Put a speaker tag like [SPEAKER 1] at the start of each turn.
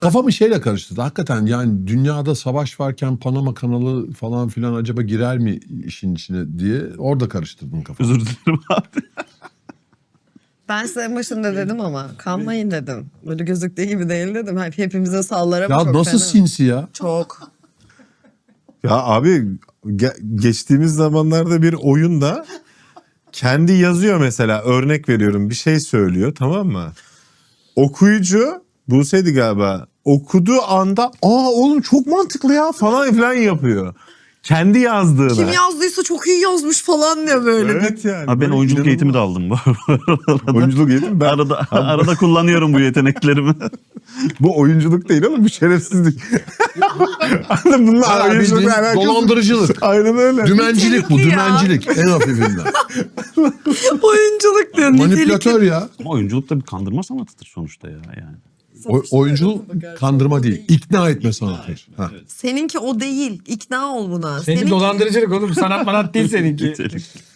[SPEAKER 1] Kafamı şeyle karıştırdı. Hakikaten yani dünyada savaş varken Panama kanalı falan filan acaba girer mi işin içine diye orada karıştırdım kafamı.
[SPEAKER 2] Özür dilerim abi.
[SPEAKER 3] Ben size en başında dedim ama kanmayın dedim. Böyle gözüktüğü gibi değil dedim. Hepimize sallar ama
[SPEAKER 1] Ya
[SPEAKER 3] çok
[SPEAKER 1] nasıl
[SPEAKER 3] fena.
[SPEAKER 1] sinsi ya?
[SPEAKER 3] Çok.
[SPEAKER 4] Ya abi geçtiğimiz zamanlarda bir oyunda kendi yazıyor mesela, örnek veriyorum, bir şey söylüyor, tamam mı? Okuyucu Buse'ydi galiba, okuduğu anda oğlum çok mantıklı ya falan filan yapıyor. Kendi yazdığına.
[SPEAKER 3] Kim yazdıysa çok iyi yazmış falan diyor böyle.
[SPEAKER 4] Evet yani.
[SPEAKER 2] Abi ben
[SPEAKER 4] böyle
[SPEAKER 2] oyunculuk eğitimi de
[SPEAKER 4] inanılmaz.
[SPEAKER 2] aldım bu arada.
[SPEAKER 4] Oyunculuk eğitimi ben...
[SPEAKER 2] Arada kullanıyorum bu yeteneklerimi.
[SPEAKER 4] Bu oyunculuk değil ama bu şerefsizlik. Anladın mı? Bunlar
[SPEAKER 1] Ha,
[SPEAKER 4] oyunculukla
[SPEAKER 1] bildiğin
[SPEAKER 4] alakası.
[SPEAKER 1] dolandırıcılık.
[SPEAKER 4] Aynen öyle.
[SPEAKER 1] Dümencilik bu,
[SPEAKER 3] Nitelikli ya.
[SPEAKER 1] dümencilik en hafifinden.
[SPEAKER 3] Oyunculuk diyor.
[SPEAKER 1] Manipülatör ya.
[SPEAKER 2] Ama oyunculuk da bir kandırma sanatıdır sonuçta ya yani.
[SPEAKER 1] Oyunculuk kandırma değil, ikna etme sanatıdır. Ha.
[SPEAKER 3] Seninki o değil. İkna ol buna.
[SPEAKER 5] Senin dolandırıcılık oğlum. Sanat manat değil seninki.
[SPEAKER 2] Nitelik.